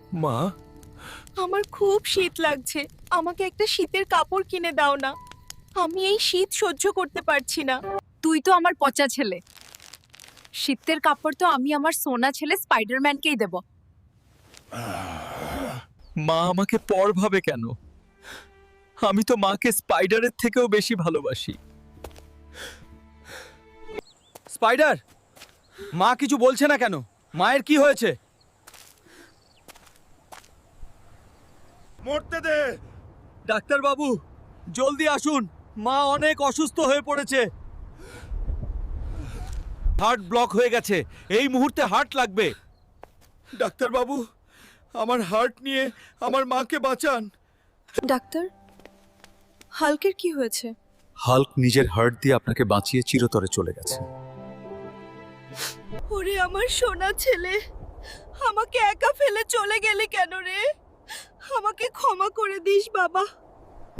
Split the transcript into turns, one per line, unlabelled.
মা,
আমার খুব শীত লাগছে, আমাকে একটা শীতের কাপড় কিনে দাও না। আমি এই শীত সহ্য করতে পারছি না।
তুই তো আমার পচা ছেলে। শীতের কাপড় তো আমি আমার সোনা ছেলে স্পাইডারম্যানকেই দেব।
মা আমাকে পর ভাবে কেন? আমি তো মাকে স্পাইডারের থেকেও বেশি ভালোবাসি।
স্পাইডার, মা কিছু বলছে না কেন? মায়ের কি হয়েছে?
মরতে দে। ডাক্তার বাবু, জলদি আসুন, মা অনেক অসুস্থ হয়ে পড়েছে।
হার্ট ব্লক হয়ে গেছে, এই মুহূর্তে হার্ট লাগবে।
ডাক্তার বাবু, আমার হার্ট নিয়ে আমার মাকে বাঁচান।
ডাক্তার, হাল্কের কি হয়েছে?
হাল্ক নিজের হার্ট দিয়ে আপনাকে বাঁচিয়ে চিরতরে চলে গেছে।
ওরে আমার সোনা ছেলে, আমাকে একা ফেলে চলে গেলি কেন রে? আমাকে ক্ষমা করে দিস বাবা।